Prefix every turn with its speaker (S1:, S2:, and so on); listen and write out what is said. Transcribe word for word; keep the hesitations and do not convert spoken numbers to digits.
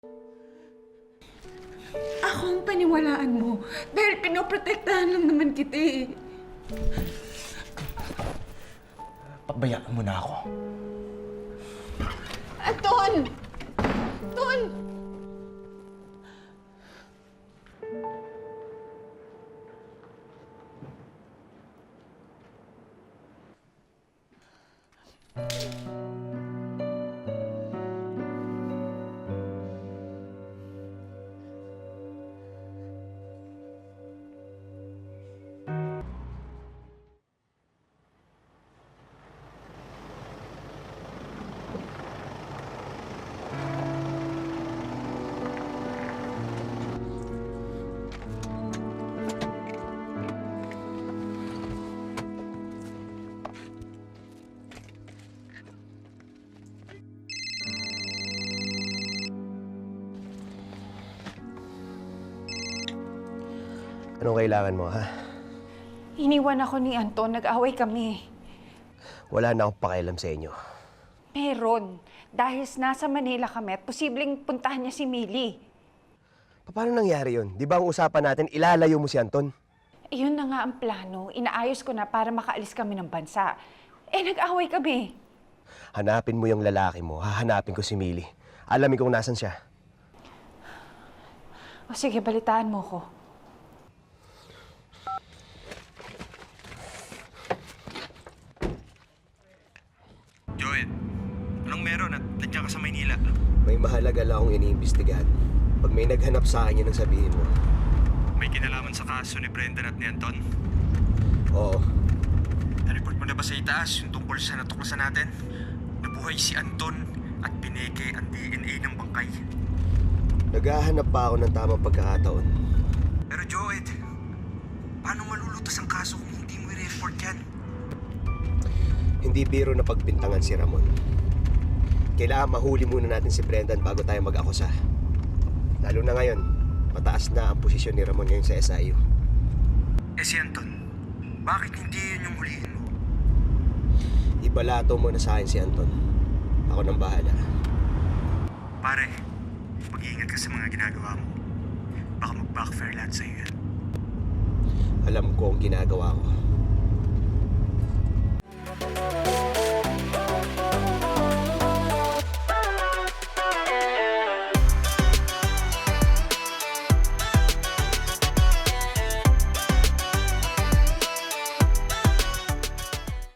S1: Ako ang paniwalaan mo dahil pinoprotektahan lang naman kita eh.
S2: Pabayaan mo na ako.
S1: Anton! Anton!
S3: Anong kailangan mo, ha?
S4: Iniwan ako ni Anton, nag-away kami.
S3: Wala na akong pakialam sa inyo.
S4: Meron. Dahil nasa Manila kami at posibleng puntahan niya si Millie.
S3: Paano nangyari yun? Di ba ang usapan natin, ilalayo mo si Anton?
S4: Iyon na nga ang plano. Inaayos ko na para makaalis kami ng bansa. Eh, nag-away kami.
S3: Hanapin mo yung lalaki mo, hahanapin ko si Millie. Alamin kung nasan siya.
S4: O sige, balitaan mo ko.
S5: Joed, anong meron at nandiyan ka sa Maynila?
S3: May mahalaga lang akong iniimbestigahan. Pag may naghanap sa akin, yun ang sabihin mo.
S5: May kinalaman sa kaso ni Brendan at ni Anton?
S3: Oo.
S5: Na-report mo na ba sa itaas yung tungkol sa natuklasan natin? Nabuhay si Anton at pineke ang D N A ng bangkay.
S3: Naghahanap pa ako ng tamang pagkakataon.
S5: Pero Joed, paano malulutas ang kaso kung hindi mo i-report yan?
S3: Hindi biro na pagbintangan si Ramon. Kailangan mahuli muna natin si Brendan bago tayo mag-akusa. Lalo na ngayon, mataas na ang posisyon ni Ramon ngayon sa S I U.
S5: Eh si Anton, bakit hindi yun yung hulihin mo?
S3: Ibalato mo na sa akin si Anton. Ako nang bahala.
S5: Pare, mag-iingat ka sa mga ginagawa mo. Baka mag-backfire lahat sa'yo yan.
S3: Alam ko ang ginagawa ko.